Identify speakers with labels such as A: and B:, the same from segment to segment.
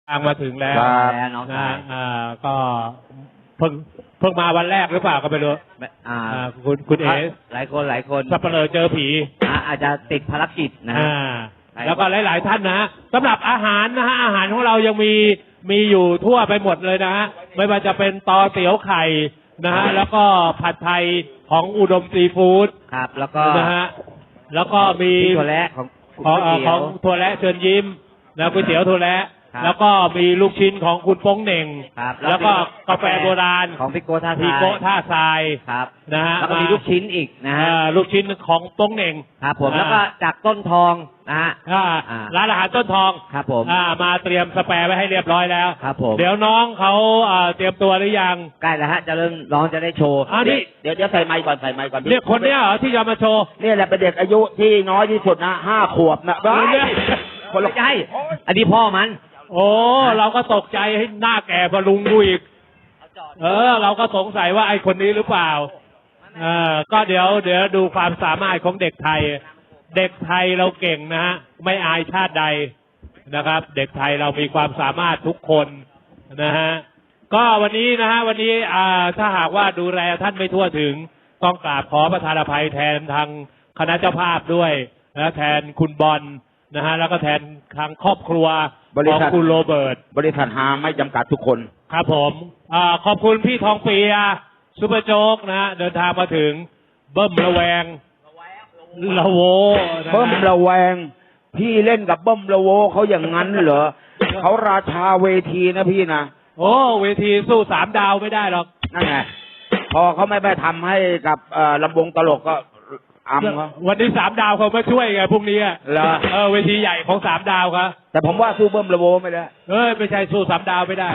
A: ทางมาถึงแล้ว
B: แล้วน้องชาย
A: ก็เพิ่งมาวันแรกหรือเปล่าก็ไม่รู้คุณเอ
B: หลายคน
A: สับเปลือเจอผี
B: อาจจะติดภารกิจนะฮะ
A: แล้วก็หลายๆท่านนะสำหรับอาหารนะฮะอาหารของเรายังมีอยู่ทั่วไปหมดเลยนะฮะไม่ว่าจะเป็นตอเตี๋ยวไข่นะฮะแล้วก็ผัดไทยของอุดมซีฟู้ด
B: ครับ แล้วก็
A: นะฮะแล้วก็มี
B: ถั่วและของ
A: ของถั่วและเชิญยิ้มนะก๋วยเตี๋ยวถั่วและแล้วก็มีลูกชิ้นของคุณโป้งเหน่ง
B: ครับ
A: แล้วก็กาแฟโบราณ
B: ของพี่โก้ท่า
A: พี่โกะท่าทราย
B: ครับ
A: นะฮะ
B: แล้วก็มีลูกชิ้นอีกนะฮะ
A: ลูกชิ้นของโป้งเหน่ง
B: ครับผมแล้วก็จากต้นทองนะฮะ
A: ร้านอาหารต้นทอง
B: ครับผม
A: มาเตรียมสแปร์ไว้ให้เรียบร้อยแล้ว
B: ครับผม
A: เดี๋ยวน้องเขาเตรียมตัวหรือยัง
B: ใกล้แล้วฮะจะเริ่มน้องจะได้โชว์
A: นี่
C: เดี๋ยวใส่ไมค์ก่อนใส่ไมค์ก่อน
A: เรียกคนเนี้ยเหรอที่จะมาโชว์
C: นี่แหละเป็นเด็กอายุที่น้อยที่สุดนะ5 ขวบนะ
B: คนละใจอันนี้พ่อมัน
A: โอ้เราก็ตกใจให้หน้าแก่พลุงกูอีกเราก็สงสัยว่าไอ้คนนี้หรือเปล่าก็เดี๋ยวดูความสามารถของเด็กไทย เด็กไทยเราเก่งนะฮะไม่อายชาติใดนะครับ เด็กไทยเรามีความสามารถทุกคนนะฮะก็วันนี้นะฮะวันนี้ถ้าหากว่าดูแลท่านไม่ทั่วถึงต้องกราบขอประทานอภัยแทนทางคณะเจ้าภาพด้วยนะแทนคุณบอลนะฮะแล้วก็แทนทางครอบครัวของคุณโรเบิร์ต
C: บริษัทหาไม่จำกัดทุกคน
A: ครับผมขอบคุณพี่ทองเปียซุปเปอร์โจ๊กนะฮะเดินทางมาถึงเบิ้มระแวงละโวนะฮะ
C: เบิ้มระแวงพี่เล่นกับเบิ้มระโวเขาอย่างนั้นเหรอเขาราชาเวทีนะพี่นะ
A: โอ้เวทีสู้3 ดาวไม่ได้หรอก
C: นั่นไงพอเขาไม่ไปทำให้กับลำวงตลกก็อำเขา
A: วันนี้3 ดาวเขามาช่วยไงพรุ่งนี้
C: เหรอ
A: เวทีใหญ่ของ3 ดาวครับ
C: แต่ผมว่าสู้เบิ้มระโวไม่ได้
A: ไม่ใช่สู้3 ดาวไม่ได้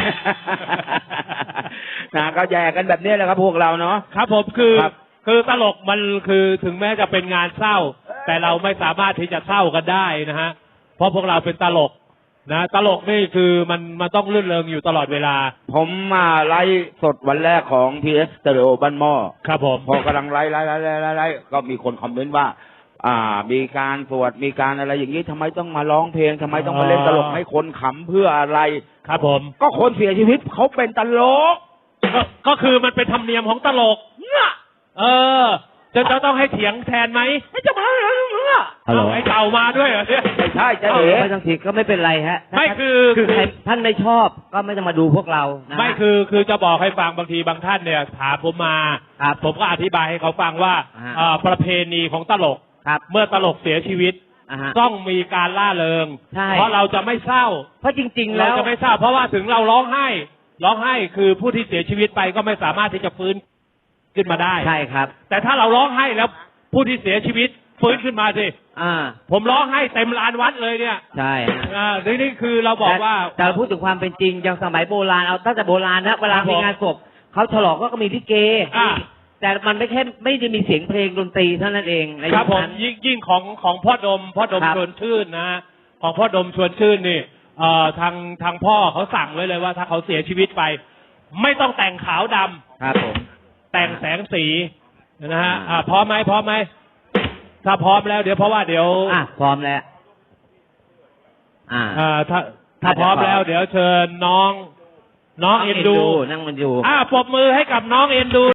C: นะก็แย่กันแบบนี้แหละครับพวกเราเนาะ
A: ครับผมคือตลกมันคือถึงแม้จะเป็นงานเศร้า แต่เราไม่สามารถที่จะเศร้ากันได้นะฮะเพราะพวกเราเป็นตลกนะตลกนี่คือมันต้องรื่นเริงอยู่ตลอดเวลา
C: ผมมาไลฟ์สดวันแรกของ PS Stereo บ้านหม้อ
A: ครับผม
C: พอกำลังไลฟ์ก็มีคนคอมเมนต์ว่า มีการสวดมีการอะไรอย่างนี้ทำไมต้องมาร้องเพลงทำไมต้องมาเล่นตลกให้คนขำเพื่ออะไร
A: ครับผม
C: ก็คนเสียชีวิตเขาเป็นตลก
A: ก็คือมันเป็นธรรมเนียมของตลกจะต้องให้เถียงแทนไหมไม่จะมาไอ้เต่ามาด้วยเหรอเนี่ย
C: ไม่ใช่จะเอ๋
B: ไม่ต้องถีก็ไม่เป็นไรฮะ
A: ไม่คือ
B: ใครท่านไม่ชอบก็ไม่ต้องมาดูพวกเรานะ
A: ไม่คือจะบอกให้ฟังบางทีบางท่านเนี่ยถามผมมา
B: ครับ
A: ผมก็อธิบายให้เขาฟังว่า ประเพณีของตลก
B: ครับ
A: เมื่อตลกเสียชีวิต ต้องมีการล่าเริง
B: ใช่
A: เพราะเราจะไม่เศร้า
B: เพราะจริง ๆ
A: เรา
B: แล้ว
A: จะไม่เศร้า เพราะว่าถึงเราร้องไห้คือผู้ที่เสียชีวิตไปก็ไม่สามารถที่จะฟื้นขึ้นมาได้
B: ใช่ครับ
A: แต่ถ้าเราร้องไห้แล้วผู้ที่เสียชีวิตฟื้นขึ้นมาสิ ผมร้องไห้เต็มลานวัดเลยเนี่ย
B: ใช่ฮะ
A: นี่คือเราบอกว่า
B: แต่เราพูดถึงความเป็นจริงอย่างสมัยโบราณเอาตั้งแต่โบราณนะเวลา
A: ครับผม
B: มีงานศพเขาฉลองก็มีลิเก แต่มันไม่ได้มีเสียงเพลงดนตรีเท่านั้นเองใน
A: ครับ
B: ยุค
A: ผม
B: นั้น
A: ยิ่งของพ่อดม
B: ครับ
A: ชวนชื่นนะของพ่อดมชวนชื่นนี่ทางพ่อเขาสั่งไว้เลยว่าถ้าเขาเสียชีวิตไป ไม่ต้องแต่งขาวดำ
B: ครับผม
A: แต่งแสงสีนะฮะพร้อมไหมถ้าพร้อมแล้วเดี๋ยวพร้อมแล้ว ถ้าพร้อมแล้วเดี๋ยวเชิญน้องเอ็นดู
B: นั่งมันดู
A: ปรบมือให้กับน้องเอ็นดู